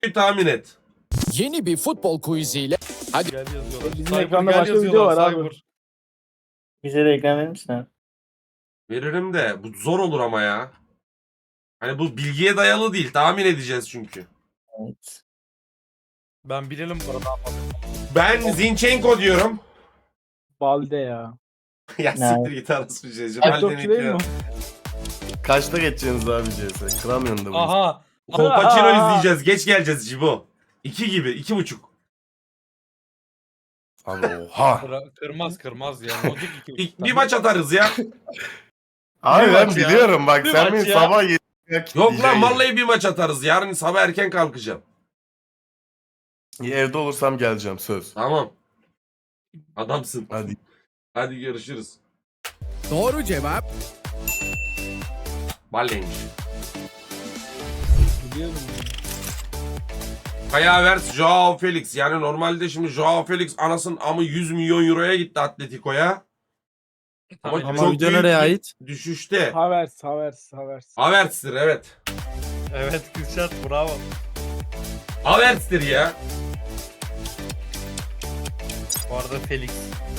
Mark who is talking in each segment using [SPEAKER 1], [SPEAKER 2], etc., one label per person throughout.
[SPEAKER 1] Bir tahmin et.
[SPEAKER 2] Yeni bir futbol quiziyle hadi
[SPEAKER 3] Gel yazıyorlar.
[SPEAKER 4] Bizim
[SPEAKER 3] Cyber
[SPEAKER 4] ekranda
[SPEAKER 3] gel
[SPEAKER 4] başka video
[SPEAKER 3] yazıyorlar,
[SPEAKER 4] var abi.
[SPEAKER 3] Cyber.
[SPEAKER 5] Bize de ekran verir misin abi?
[SPEAKER 1] Veririm de bu zor olur ama ya. Hani bu bilgiye dayalı değil. Tahmin edeceğiz çünkü.
[SPEAKER 5] Evet.
[SPEAKER 3] Ben bilelim bu arada.
[SPEAKER 1] Ben Zinchenko diyorum.
[SPEAKER 4] Balde ya.
[SPEAKER 1] Ya
[SPEAKER 5] Ne?
[SPEAKER 1] siktir git arası şey.
[SPEAKER 4] TikTokçu değil mi?
[SPEAKER 6] Kaçta geçeceksiniz abi CS? Kıramıyorsun da bunu.
[SPEAKER 3] Aha.
[SPEAKER 1] Kolpaçino
[SPEAKER 4] Aa.
[SPEAKER 1] izleyeceğiz. Geç geleceğiz Cibo. 2 gibi. 2,5.
[SPEAKER 6] Abi oha.
[SPEAKER 3] Kırmaz ya. Logic
[SPEAKER 1] Bir maç atarız ya.
[SPEAKER 6] Abi
[SPEAKER 3] Bir
[SPEAKER 6] ben
[SPEAKER 3] maç ya.
[SPEAKER 6] biliyorum bak
[SPEAKER 3] Bir
[SPEAKER 6] sen
[SPEAKER 3] maç
[SPEAKER 6] beni
[SPEAKER 3] ya.
[SPEAKER 6] sabah 7'ye
[SPEAKER 1] Yok lan vallahi bir maç atarız. Yarın sabah erken kalkacağım.
[SPEAKER 6] Evde olursam geleceğim söz.
[SPEAKER 1] Tamam. Adamsın.
[SPEAKER 6] Hadi.
[SPEAKER 1] Hadi görüşürüz.
[SPEAKER 2] doğru cevap
[SPEAKER 1] Balleymiş.
[SPEAKER 4] Biliyorum.
[SPEAKER 1] Kaya Havertz, Joao Felix. Yani normalde şimdi Joao Felix anasının amı 100 milyon euroya gitti Atletico'ya. Ama
[SPEAKER 3] Ama
[SPEAKER 1] çok
[SPEAKER 7] video
[SPEAKER 1] büyük
[SPEAKER 7] nereye
[SPEAKER 1] bir
[SPEAKER 7] ait?
[SPEAKER 1] düşüşte.
[SPEAKER 4] Havertz.
[SPEAKER 1] Havertz'tir evet.
[SPEAKER 3] Evet Kürşat bravo.
[SPEAKER 1] Havertz'tir ya.
[SPEAKER 3] Bu arada Felix.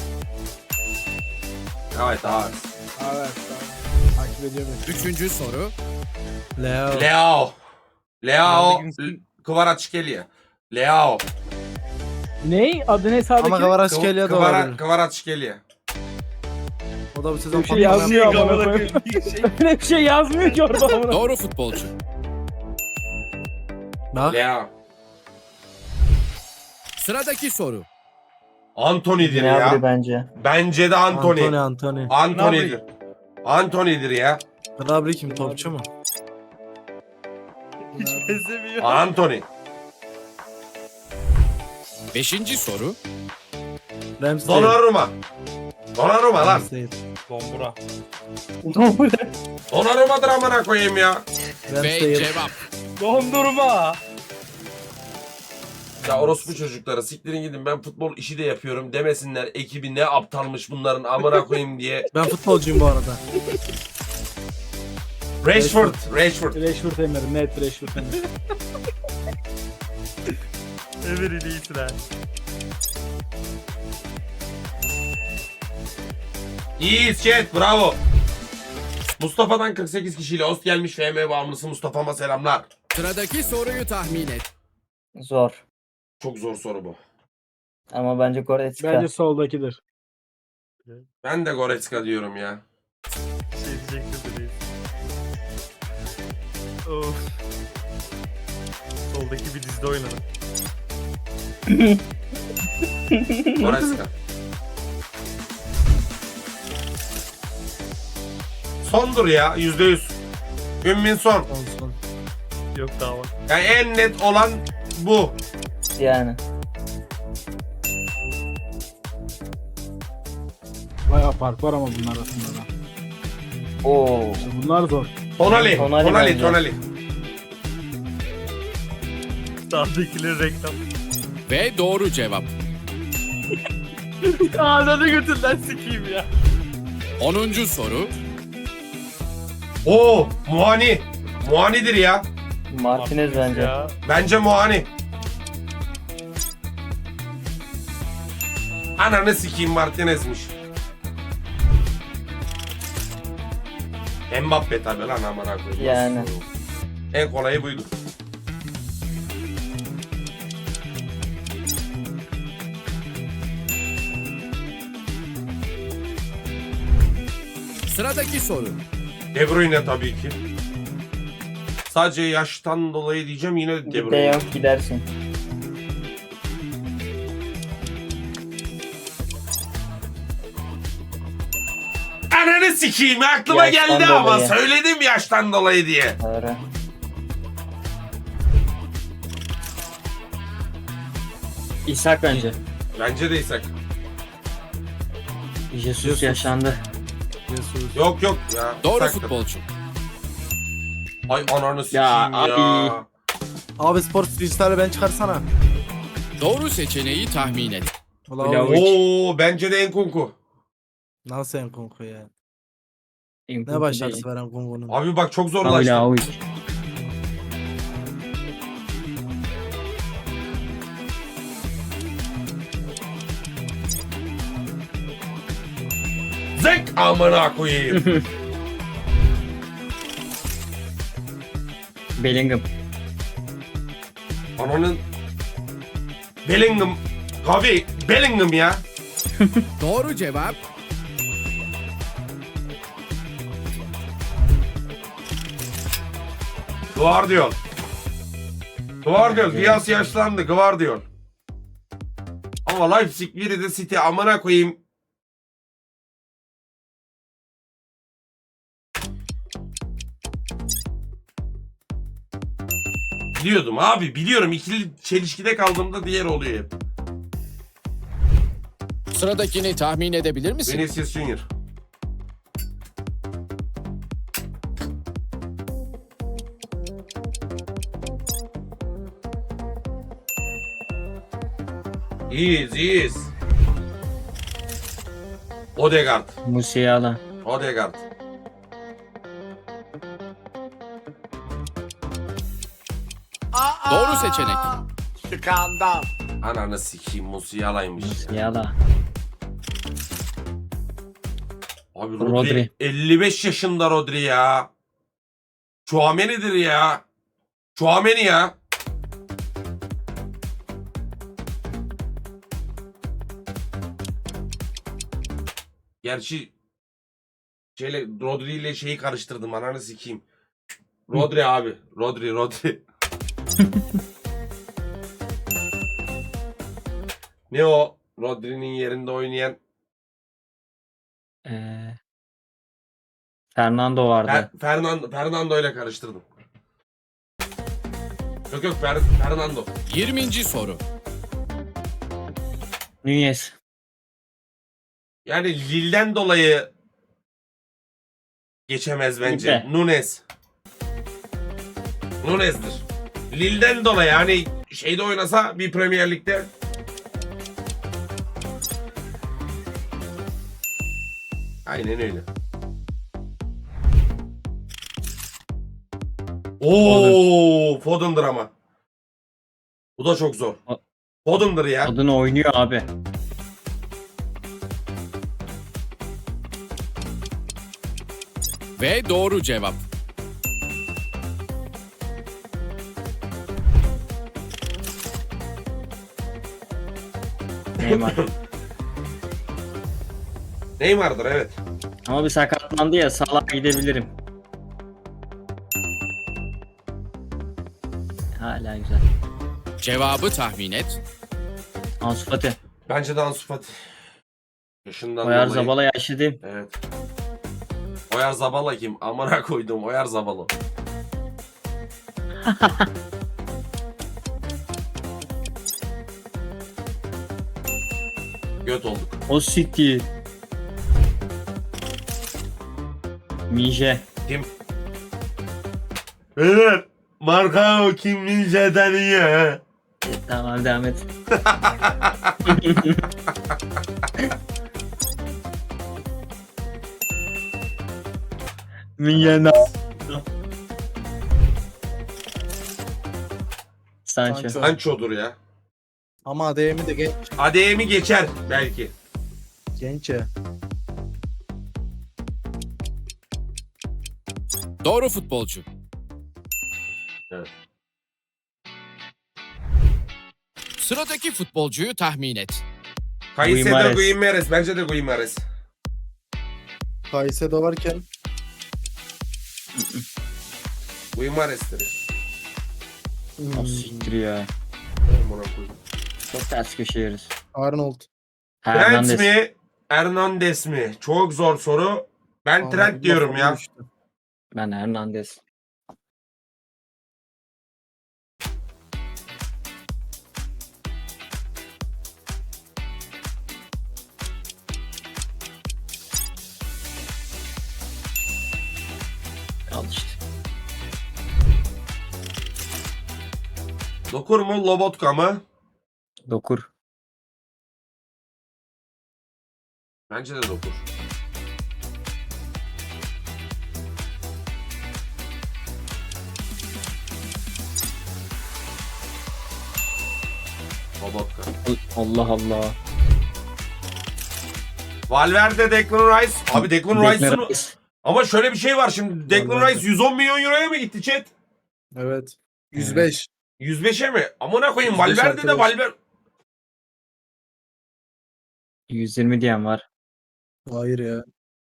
[SPEAKER 1] Evet Havertz.
[SPEAKER 4] Havertz. Takip ediyorum.
[SPEAKER 2] üçüncü soru
[SPEAKER 7] Leo.
[SPEAKER 1] Leao.
[SPEAKER 3] Nerede
[SPEAKER 1] Kvaratskhelia. Leao.
[SPEAKER 4] Ney? Adı ne sağdaki?
[SPEAKER 7] Ama Kvaratskhelia da olabilir.
[SPEAKER 1] Kvaratskhelia.
[SPEAKER 7] O da bu sezon
[SPEAKER 4] Bir şey yazmıyor ama.
[SPEAKER 3] Kamera
[SPEAKER 4] Öyle
[SPEAKER 3] koyayım.
[SPEAKER 4] bir şey yazmıyor ki orada ama.
[SPEAKER 2] doğru futbolcu
[SPEAKER 7] Bak.
[SPEAKER 1] Leao.
[SPEAKER 2] sıradaki soru
[SPEAKER 1] Antony'dir
[SPEAKER 5] Gnabry
[SPEAKER 1] ya.
[SPEAKER 5] bence.
[SPEAKER 1] Bence de Antony.
[SPEAKER 7] Antony.
[SPEAKER 1] Antony'dir. Antony'dir ya.
[SPEAKER 7] Gnabry kim? Topçu mu?
[SPEAKER 3] Hiç benzemiyor.
[SPEAKER 1] Antony.
[SPEAKER 2] beşinci soru
[SPEAKER 7] Ramsdale.
[SPEAKER 1] Donnarumma. Donnarumma lan.
[SPEAKER 7] Ramsdale.
[SPEAKER 3] Dombura.
[SPEAKER 1] Donnarumma'dır amına koyayım ya.
[SPEAKER 2] ve
[SPEAKER 7] Ramsdale.
[SPEAKER 2] cevap
[SPEAKER 3] Dondurma.
[SPEAKER 1] Ya orospu çocukları siktirin gidin ben futbol işi de yapıyorum demesinler ekibi ne aptalmış bunların amına koyayım diye.
[SPEAKER 7] Ben futbolcuyum bu arada.
[SPEAKER 1] Rashford.
[SPEAKER 4] Rashford Emir. Net Rashford Emir.
[SPEAKER 3] Emir'in iyisin ha.
[SPEAKER 1] İyiyiz chat bravo. Mustafa'dan 48 kişiyle host gelmiş FM bağımlısı Mustafa'ma selamlar.
[SPEAKER 2] sıradaki soruyu tahmin et
[SPEAKER 5] Zor.
[SPEAKER 1] Çok zor soru bu.
[SPEAKER 5] Ama bence Goretzka.
[SPEAKER 4] Bence soldakidir.
[SPEAKER 1] Ben de Goretzka diyorum ya.
[SPEAKER 3] Bir şey diyecektim de değil. Of. Soldaki bir dizide oynadım.
[SPEAKER 1] Goretzka. Sondur ya %100. Ümmin son.
[SPEAKER 7] Olsun.
[SPEAKER 3] Yok daha var.
[SPEAKER 1] Yani en net olan bu.
[SPEAKER 5] Yani.
[SPEAKER 4] Bayağı fark var ama bunlar arasında da.
[SPEAKER 5] Oo.
[SPEAKER 4] İşte bunlar zor.
[SPEAKER 1] Tonali.
[SPEAKER 5] Tonali
[SPEAKER 1] Tonali.
[SPEAKER 5] bence.
[SPEAKER 1] Tonali.
[SPEAKER 3] Sağdakileri reklam.
[SPEAKER 2] ve doğru cevap
[SPEAKER 3] Ağzını götünden sikeyim ya.
[SPEAKER 2] 10. soru
[SPEAKER 1] Oo, Muani. Muani'dir ya.
[SPEAKER 5] Martinez bence.
[SPEAKER 3] Ya.
[SPEAKER 1] Bence Muani. Ananı sikeyim Martinez'miş. Mbappe tabi lan amına koyayım.
[SPEAKER 5] Yani.
[SPEAKER 1] En kolayı buydu.
[SPEAKER 2] sıradaki soru
[SPEAKER 1] De Bruyne tabii ki. Sadece yaştan dolayı diyeceğim yine De
[SPEAKER 5] De
[SPEAKER 1] Bruyne.
[SPEAKER 5] Jong gidersin.
[SPEAKER 1] Ananı sikeyim aklıma
[SPEAKER 5] Yaştan
[SPEAKER 1] geldi ama
[SPEAKER 5] dolayı.
[SPEAKER 1] söyledim yaştan dolayı diye.
[SPEAKER 5] Doğru.
[SPEAKER 8] İshak bence.
[SPEAKER 1] Bence de İshak.
[SPEAKER 8] Jesus yaşandı.
[SPEAKER 7] Jesus.
[SPEAKER 1] Yok yok ya.
[SPEAKER 2] doğru
[SPEAKER 1] İshak'tır.
[SPEAKER 2] futbolcu
[SPEAKER 1] Ay ananı sikeyim
[SPEAKER 8] Ya,
[SPEAKER 1] ya.
[SPEAKER 8] abi.
[SPEAKER 7] Abi spor freestyle ben çıkarsana.
[SPEAKER 2] doğru seçeneği tahmin et
[SPEAKER 7] Ulan
[SPEAKER 8] Vlahovic.
[SPEAKER 1] Oo bence de Enkunku.
[SPEAKER 7] nasıl Enkunku ya?
[SPEAKER 8] İmkan
[SPEAKER 7] Ne başarısı
[SPEAKER 8] değil.
[SPEAKER 7] veren Kunku'nun?
[SPEAKER 1] Abi bak çok
[SPEAKER 8] Abi
[SPEAKER 1] zorlaştı.
[SPEAKER 8] Vlahovic.
[SPEAKER 1] Zek amına koyayım.
[SPEAKER 8] Bellingham.
[SPEAKER 1] Ananın Bellingham. Gavi Bellingham ya.
[SPEAKER 2] Doğru cevap
[SPEAKER 1] Guardiol. Guardiol. Diaz yaşlandı. Guardiol. Ama Leipzig biri de City amına koyayım. Biliyordum abi biliyorum. İkili çelişkide kaldığımda diğer oluyor hep.
[SPEAKER 2] sıradakini tahmin edebilir misin?
[SPEAKER 1] Vinicius Junior. İyiyiz. Odegaard.
[SPEAKER 8] Musiala.
[SPEAKER 1] Odegaard.
[SPEAKER 2] Doğru seçenek.
[SPEAKER 6] Skandal.
[SPEAKER 1] Ananı sikeyim Musiala'ymış ya.
[SPEAKER 8] Musiala.
[SPEAKER 1] Abi
[SPEAKER 8] Rodri.
[SPEAKER 1] Rodri 55 yaşında Rodri ya. Chouameni'dir ya. Chouameni ya. Gerçi Rodri ile şeyi karıştırdım ananı sikeyim. Rodri abi. Rodri. Ne o? Rodri'nin yerinde oynayan
[SPEAKER 8] Fernando vardı.
[SPEAKER 1] Fernando ile karıştırdım. Yok Fernando.
[SPEAKER 2] 20. soru.
[SPEAKER 8] Nunez.
[SPEAKER 1] Yani Lille'den dolayı geçemez bence.
[SPEAKER 8] Lille.
[SPEAKER 1] Nunez'dir. Lille'den dolayı yani şeyde oynasa bir Premier Lig'de aynen öyle. Oo, Foden'dır ama. Bu da çok zor. Foden'dır ya.
[SPEAKER 8] Adını oynuyor abi.
[SPEAKER 2] Ve doğru cevap.
[SPEAKER 8] Neymar.
[SPEAKER 1] Neymar'dır evet.
[SPEAKER 8] Ama bir sakatlandı ya, Salah'a gidebilirim. Hala güzel.
[SPEAKER 2] Cevabı tahmin et.
[SPEAKER 8] Ansu Fati.
[SPEAKER 1] Bence de Ansu Fati. Yaşından
[SPEAKER 8] Oyar
[SPEAKER 1] dolayı.
[SPEAKER 8] Zabala yaşlı değil.
[SPEAKER 1] Evet. Oyar Zabala kim? Amına koydum Oyar Zabala. Göt olduk.
[SPEAKER 8] O siktir. Mije.
[SPEAKER 1] Kim? Evet. Marka o kim Ninja'dan iyi.
[SPEAKER 8] Tamam, devam et. Minyana. Sancho.
[SPEAKER 7] Sancho.
[SPEAKER 1] Sancho'dur ya.
[SPEAKER 7] Ama ADM'i de genç.
[SPEAKER 1] ADM'i geçer belki.
[SPEAKER 7] Genç ya.
[SPEAKER 2] Doğru futbolcu.
[SPEAKER 1] Evet.
[SPEAKER 2] Sıradaki futbolcuyu tahmin et.
[SPEAKER 1] Caicedo
[SPEAKER 8] Guimarães.
[SPEAKER 1] Guimarães. Bence de Guimarães.
[SPEAKER 7] Caicedo varken
[SPEAKER 1] Guimarães'tir.
[SPEAKER 8] O siktir ya.
[SPEAKER 1] Amına koydum.
[SPEAKER 8] Çok ters köşe yeriz.
[SPEAKER 7] Arnold.
[SPEAKER 1] Trent
[SPEAKER 8] Hernandez.
[SPEAKER 1] mi? Hernandez mi? Çok zor soru. Ben Trent diyorum ya.
[SPEAKER 8] Ben Hernandez. Al işte.
[SPEAKER 1] Dokur mu? Lobotka mı?
[SPEAKER 8] Dokur.
[SPEAKER 1] Bence de Dokur. Lobotka.
[SPEAKER 8] Allah Allah.
[SPEAKER 1] Valverde, Declan Rice. Abi Declan Rice'ın...
[SPEAKER 8] Declan Rice.
[SPEAKER 1] Ama şöyle bir şey var şimdi. Declan
[SPEAKER 7] Valverde.
[SPEAKER 1] Rice 110 milyon euroya mı gitti chat?
[SPEAKER 7] Evet. 105.
[SPEAKER 1] 105'e mi? Amına koyayım
[SPEAKER 7] 105
[SPEAKER 1] Valverde de
[SPEAKER 7] arkadaş.
[SPEAKER 1] Valverde...
[SPEAKER 8] 120 diyen var.
[SPEAKER 7] Hayır ya.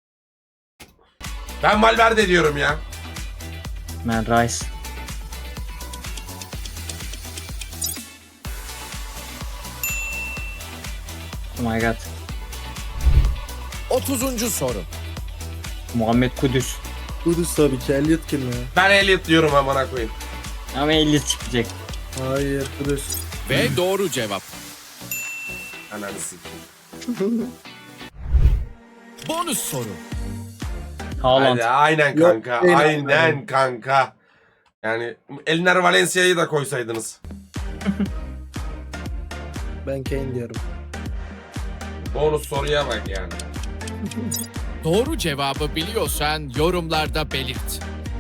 [SPEAKER 1] Ben Valverde diyorum ya.
[SPEAKER 8] Ben Rice. Oh my god.
[SPEAKER 2] 30. soru.
[SPEAKER 8] Muhammed Kudüs.
[SPEAKER 7] Kudüs tabii ki. Elliot kim ya?
[SPEAKER 1] Ben Elliot diyorum amına koyayım.
[SPEAKER 8] Ama 50 çıkacak.
[SPEAKER 7] Hayır Kudüs.
[SPEAKER 2] Ve doğru cevap.
[SPEAKER 1] Ananı sikeyim.
[SPEAKER 2] Bonus soru.
[SPEAKER 8] Haaland.
[SPEAKER 1] Hadi, aynen
[SPEAKER 7] Yok,
[SPEAKER 1] kanka.
[SPEAKER 7] değil
[SPEAKER 1] aynen
[SPEAKER 7] abi.
[SPEAKER 1] kanka. Yani Elner Valencia'yı da koysaydınız.
[SPEAKER 7] Ben Kane diyorum.
[SPEAKER 1] Bonus soruya bak yani.
[SPEAKER 2] Doğru cevabı biliyorsan yorumlarda belirt.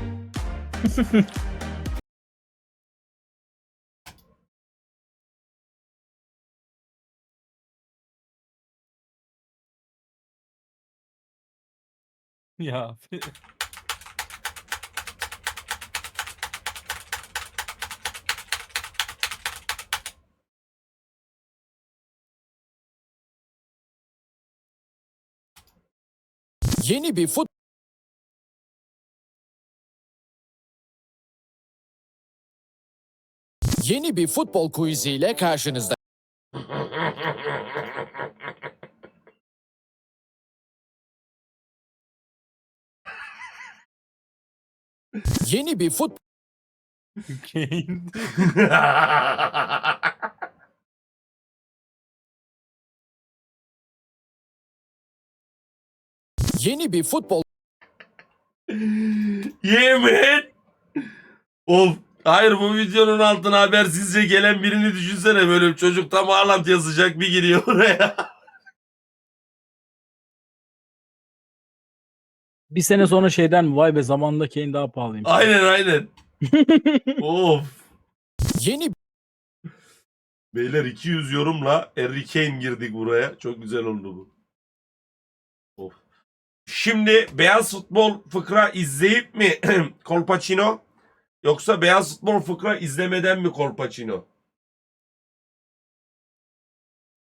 [SPEAKER 3] Ya.
[SPEAKER 2] Yeni bir Yeni bir futbol quizi ile karşınızda. Yeni bir
[SPEAKER 3] Kane.
[SPEAKER 2] Yeni bir futbol
[SPEAKER 1] Yemin. Of. Hayır bu videonun altına habersizce gelen birini düşünsene, böyle bir çocuk tam Haaland yazacak, bir giriyor oraya.
[SPEAKER 4] Bir sene sonra şeyden mi? Vay be zamanında Kane daha pahalıymış.
[SPEAKER 1] Aynen. Of.
[SPEAKER 2] yeni
[SPEAKER 1] Beyler 200 yorumla Harry Kane girdik buraya. Çok güzel oldu bu. Of. Şimdi beyaz futbol fıkra izleyip mi Kolpaçino, yoksa beyaz futbol fıkra izlemeden mi Kolpaçino?